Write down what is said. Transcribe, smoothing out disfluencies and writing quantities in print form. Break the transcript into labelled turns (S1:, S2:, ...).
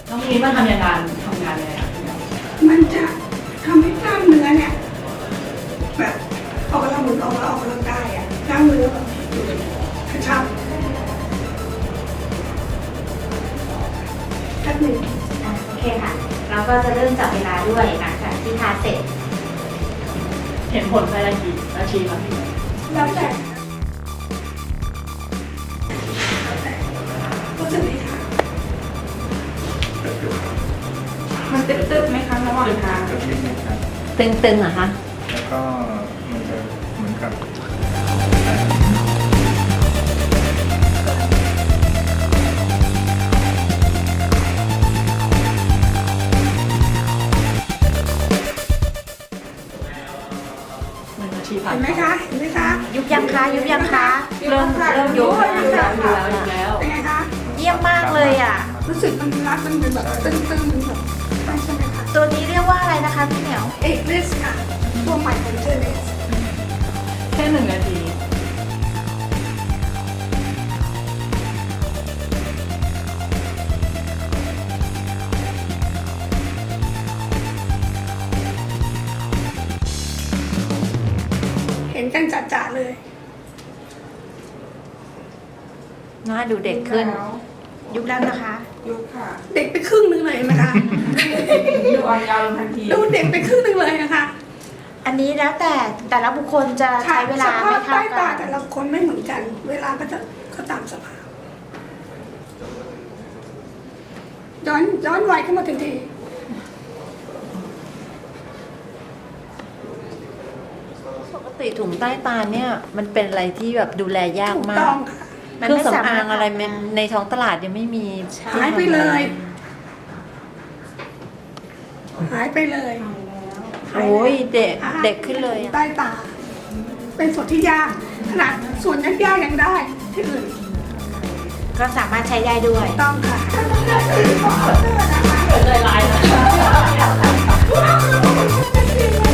S1: น้องมีมาทำงานยังไงอะ
S2: มันจะทำให้กล้ามเนื้อเนี่ยแบบออกกำลังเหมือนออกกำลังกายอ่ะกล้ามเนื้อแบบกระชับแป๊บหนึ่ง
S3: โอเคค่ะ เราก็จะเริ่มจับเวลาด้วยหลังจากที่ทาเสร็จ
S1: เห็นผลภายในกี่นาทีครับพี่
S2: แล้วแต่รู้สึกไหมคะ
S4: มันตึ๊บๆไหมคะระหว่างทาง
S5: กระพริบนะครับ
S3: ตึงๆเหรอคะ
S5: แล้วก็มันจะเหมือนกับ
S1: 1 นาทีผ่าน
S2: เห็นไหมคะเห็นไหมคะ
S3: ยุบยังคะยุบยังคะเริ่มยุบ
S1: อยู่แล้ว
S2: เป็นไงคะ
S3: เยี่ยมมากเลยอ่ะ
S2: รู้สึกมันรัดมันเป็นแบบตึงๆแบบใช่ไหมคะ
S3: ตัวนี้เรียกว่าอะไรนะคะพี่เหมียว
S2: เอกเลสค่ะตัวใหม่ของเจเลส
S1: แค่1 นาที
S2: เห็นกันจัดๆเลย
S3: หน้าดูเด็กขึ้น ยุบแล้วนะคะ
S4: ยุบค่ะ
S2: เด็กไปครึ่งหนึงเลยนะคะ
S4: ดูอ่อนเยาว์ลงทันที
S2: ดูเด็กไปครึ่งหนึงเลยนะคะ
S3: อันนี้แล้วแต่ละบุคคลจะใช้เวลา
S2: ส
S3: ไม่
S2: ภาพ
S3: เท่า
S2: ใต้ตา
S3: กั
S2: แต่
S3: น
S2: ละคนไม่เหมือนกัน เวลาก็ตามสภาพ ย้อนวัยเข้ามาทันที
S6: ปกติถุงใต้ตาเนี่ยมันเป็นอะไรที่แบบดูแลยาก
S2: ถูก
S6: มา
S2: ต้
S6: ก
S2: องค่ะ
S6: เครื่องสำอางอะไรมันในท้องตลาดยังไม่มี
S2: หายไปเลย หายไปเลย
S6: โอ้ยเด็กเด็กขึ้นเลยอะ
S2: ใต้ตา เป็นส่วนที่ยากขนาดส่วนยากๆยังได้ที่อื่น
S3: ก็สามารถใช้ได้ด้วย
S2: ต้องค่ะ
S1: เกิดใจร้ายนะ